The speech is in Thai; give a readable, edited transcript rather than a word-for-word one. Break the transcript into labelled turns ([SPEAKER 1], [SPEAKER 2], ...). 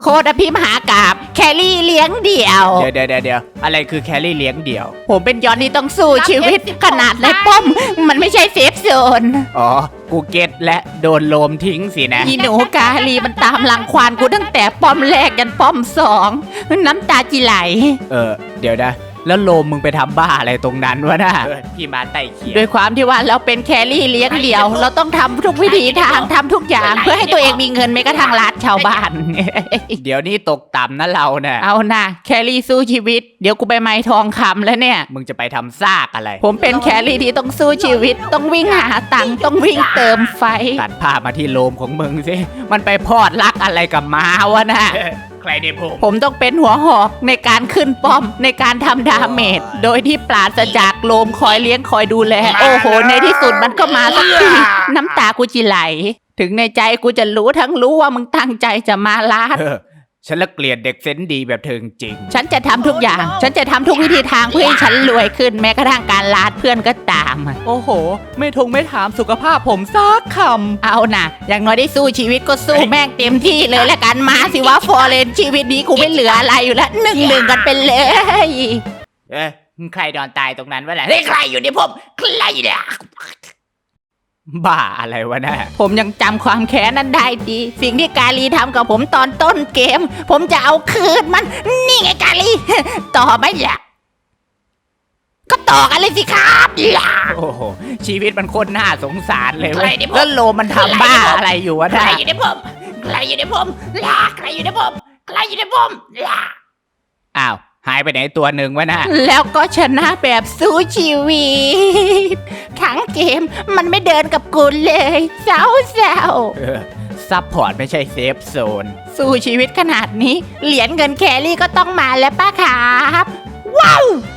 [SPEAKER 1] คตรพิมหากาบแครี่เลี้ยงเดี่ยว
[SPEAKER 2] เดี๋ยวอะไรคือแครี่เลี้ยงเดี่ยว
[SPEAKER 1] ผมเป็นยอนที่ต้องสู้ชีวิตขนาดในป้อมมันไม่ใช่เซฟโซน
[SPEAKER 2] อ๋อกูเก็ตและโดนโลมทิ้งสินะ
[SPEAKER 1] อีหนูกาลีมันตามรังควานกูตั้งแต่ป้อมแรกยันป้อมสองน้ำตาจิไหล
[SPEAKER 2] เดี๋ยวนะแล้วโลมมึงไปทำบ้าอะไรตรงนั้นวะน่ะพี่มาไต่เขีย
[SPEAKER 1] ด้วยความที่ว่าเราเป็นแครี่เลี้ยงเดี่ยว เราต้องทำทุกวิธีทางทำทุกอย่างเพื่อให้ตัวเองมีเงินไม่กระทั่งรัดชาวบ้าน
[SPEAKER 2] เดี๋ยวนี้ตกต่ำนะเราเนี่ย
[SPEAKER 1] เอานะแครี่สู้ชีวิตเดี๋ยวกูไปไม้ทองคำแล้วเนี่ย
[SPEAKER 2] มึงจะไปทำซากอะไร
[SPEAKER 1] ผมเป็นแครี่ที่ต้องสู้ชีวิต ต้องวิ่งหาตังค์ต้องวิ่งเติมไฟ
[SPEAKER 2] ตัดภาพมาที่โลมของมึงสิมันไปพอดรักอะไรกับม้าวะน่ะใครได้พูด
[SPEAKER 1] ผมต้องเป็นหัวหอกในการขึ้นป้อมในการทำดาเมจโดยที่ปราศจากโลมคอยเลี้ยงคอยดูแล โอ้โห ในที่สุดมันก็มาสักทีน้ำตากูจิไหล ถึงในใจกูจะรู้ทั้งรู้ว่ามึงตั้งใจจะมาลาด
[SPEAKER 2] ฉันละเกลียดเด็กเซนส์ดีแบบเธอจริง
[SPEAKER 1] ฉันจะทำทุกอย่าง ฉันจะทำทุกวิธีทางเพื่อให้ฉันรวยขึ้นแม้กระทั่งการลาดเพื่อนก็ตาม
[SPEAKER 3] โอ้โห ไม่ถามสุขภาพผมซักค
[SPEAKER 1] เอานะอย่างน้อยได้สู้ชีวิตก็สู้แม่งเต็มที่เลยละกันมาสิว่าฟอร์เรนชีวิตนี้กูไม่เหลืออะไรอยู่แล้ว1-1กันไปเลย
[SPEAKER 2] ใครนอนตายตรงนั้นวะแหละใครอยู่ในผมใครเนี่ยบ้าอะไรวะน่ะ
[SPEAKER 1] ผมยังจำความแค้นนั้นได้ดี สิ่งที่กาลีทำกับผมตอนต้นเกม ผมจะเอาคืนมัน นี่ไงกาลี ต่อไหมล่ะก็ต่อกันเลยสิครับล่ะ
[SPEAKER 2] โอ้โหชีวิตมันโคตรน่าสงสารเลย
[SPEAKER 1] ใค
[SPEAKER 2] เว้
[SPEAKER 1] ร
[SPEAKER 2] ย
[SPEAKER 1] ในผม
[SPEAKER 2] แล้วโลมันทำบ้าอะไรอยู่วะ
[SPEAKER 1] ใคร
[SPEAKER 2] น่ะ
[SPEAKER 1] อยู่ในผมใครอยู่ในผมล่ะใครอยู่ในผมใครอยู่ในผมล่ะ
[SPEAKER 2] อ้าวหายไปไหนตัวหนึ่งวะน่ะ
[SPEAKER 1] แล้วก็ชนะแบบสู้ชีวิตทั้งเกมมันไม่เดินกับกูเลยเศร้า
[SPEAKER 2] ซัพพอร์ตไม่ใช่เซฟโซน
[SPEAKER 1] สู้ชีวิตขนาดนี้ เหรียญเงินแครี่ก็ต้องมาแล้วป้าครับ ว้าว